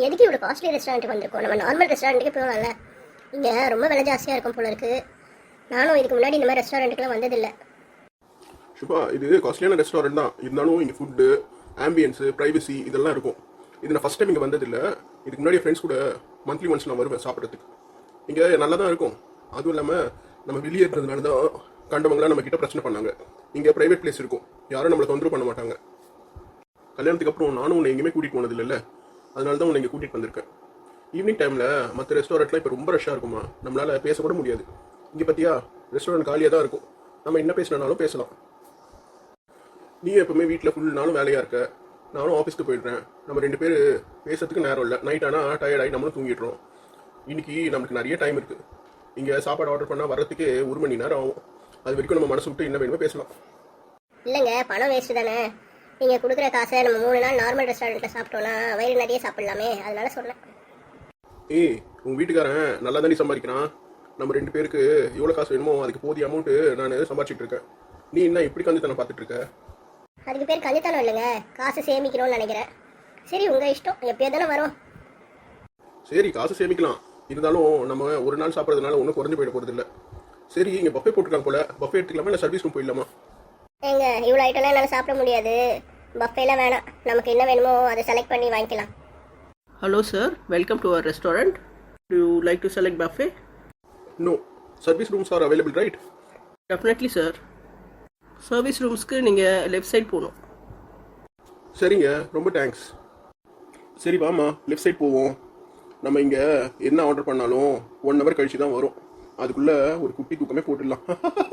எதுக்கு இவ்வளோ காஸ்ட்லி ரெஸ்டாரண்ட்டுக்கு வந்திருக்கோம்? நம்ம நார்மல் ரெஸ்டாரண்ட்டுக்கு போகலாம்ல. இங்கே ரொம்ப விலை ஜாஸ்தியாக இருக்கும் போல இருக்குது. நானும் இதுக்கு முன்னாடி இந்த மாதிரி ரெஸ்டாரண்ட்டுக்குலாம் வந்ததில்லை. சுபா, இது காஸ்ட்லியான ரெஸ்டாரண்ட் தான். இருந்தாலும் இங்கே ஃபுட்டு, ஆம்பியன்ஸு, ப்ரைவசி இதெல்லாம் இருக்கும். இது நான் ஃபஸ்ட் டைம் இங்கே வந்ததில்லை. இதுக்கு முன்னாடி ஃப்ரெண்ட்ஸ் கூட மந்த்லி ஒன்ஸ் நான் வருவேன் சாப்பிட்றதுக்கு. இங்கே நல்லா தான் இருக்கும். அதுவும் இல்லாமல் நம்ம வெளியே இருக்கிறதுனால தான் கண்டவங்களாம் நம்ம கிட்ட பிரச்சனை பண்ணாங்க. இங்கே ப்ரைவேட் பிளேஸ் இருக்கும், யாரும் நம்மளை தொந்தரவு பண்ண மாட்டாங்க. கல்யாணத்துக்கு அப்புறம் நானும் உன்னை எங்கேயுமே கூட்டிகிட்டு போனதில்லை, அதனால தான் உன்னை இங்கே கூட்டிகிட்டு வந்திருக்கேன். ஈவினிங் டைமில் மற்ற ரெஸ்டாரண்ட்லாம் இப்போ ரொம்ப ரஷ்ஷாக இருக்குமா, நம்மளால் பேசக்கூட முடியாது. இங்கே பார்த்தியா, ரெஸ்டாரண்ட் காலியாக தான் இருக்கும். நம்ம என்ன பேசினாலும் பேசலாம். நீ எப்பவுமே வீட்டில் ஃபுல் நாளும் வேலையாக இருக்க, நானும் ஆஃபீஸ்க்கு போயிடுறேன். நம்ம 2 பேர் பேசுறதுக்கு நேரம் இல்லை. நைட் ஆனால் டயர்டாகி நம்மளும் தூங்கிடுறோம். இன்னைக்கு நம்மளுக்கு நிறைய டைம் இருக்குது. இங்கே சாப்பாடு ஆர்டர் பண்ணால் வர்றதுக்கே 1 மணி நேரம் ஆகும். அது வரைக்கும் நம்ம மனசு விட்டு என்ன வேணுமோ பேசலாம். இல்லைங்க, பணம் வேஸ்ட்டு தானே. நீங்கள் கொடுக்குற காசை நம்ம 3 நாள் நார்மல் ரெஸ்டாரண்ட்டில் சாப்பிட்டோன்னா வயிறு நிறைய சாப்பிட்லாமே, அதனால சொன்னேன். ஏய், உங்கள் வீட்டுக்காரன் நல்லா தானே சம்பாதிக்கிறான். நம்ம 2 பேருக்கு எவ்வளோ காசு வேணுமோ அதுக்கு போதிய அமௌண்ட்டு நான் சம்பாதிச்சிட்டு இருக்கேன். நீ என்ன இப்படி கஞ்சித்தனம் பார்த்துட்டு இருக்க? அதுக்கு பேர் கஞ்சித்தனம் இல்லைங்க, காசு சேமிக்கணும்னு நினைக்கிறேன். சரி, உங்கள் இஷ்டம், எப்பயோ தானே வரும். சரி, காசு சேமிக்கலாம். இருந்தாலும் நம்ம ஒரு நாள் சாப்பிட்றதுனால ஒன்றும் குறைஞ்சு போயிட போகிறது இல்லை. சரி, இங்கே பஃபே போட்டுருக்காங்க போல, பஃபே எடுத்துக்கலாமா இல்லை சர்வீஸ் ரூம் போயிடலாமா? ஏங்க, இவ்வளோ ஐட்டம்லாம் என்னால் சாப்பிட முடியாது. பஃபேலாம் வேணாம், நமக்கு என்ன வேணுமோ அதை செலக்ட் பண்ணி வாங்கிக்கலாம். Hello sir, welcome to our restaurant. Do you like to select buffet? No, service rooms are available, right? Definitely sir. Service roomsக்கு நீங்கள் லெஃப்ட் சைட் போகணும். சரிங்க, ரொம்ப தேங்க்ஸ். சரி வாமா, லெஃப்ட் சைட் போவோம். நம்ம இங்கே என்ன ஆர்டர் பண்ணாலும் 1 hour கழிச்சு தான் வரும். அதுக்குள்ளே ஒரு குட்டி தூக்கமே போட்டுடலாம்.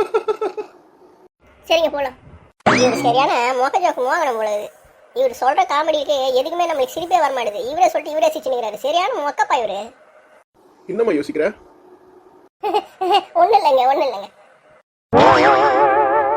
சரிங்க, போகலாம். இவர் சரியான மொக்க ஜோக்கு மோகனம் போலது. இவர் சொல்கிற காமெடிக்கு எதுக்குமே நம்மளுக்கு சிரிப்பே வரமாட்டுது. இவரே சொல்லிட்டு இவரே சிரிச்சுனுங்கிறாரு. சரியான மொக்கப்பா இவர். என்னம்மா யோசிக்கிற? ஒன்றும் இல்லைங்க.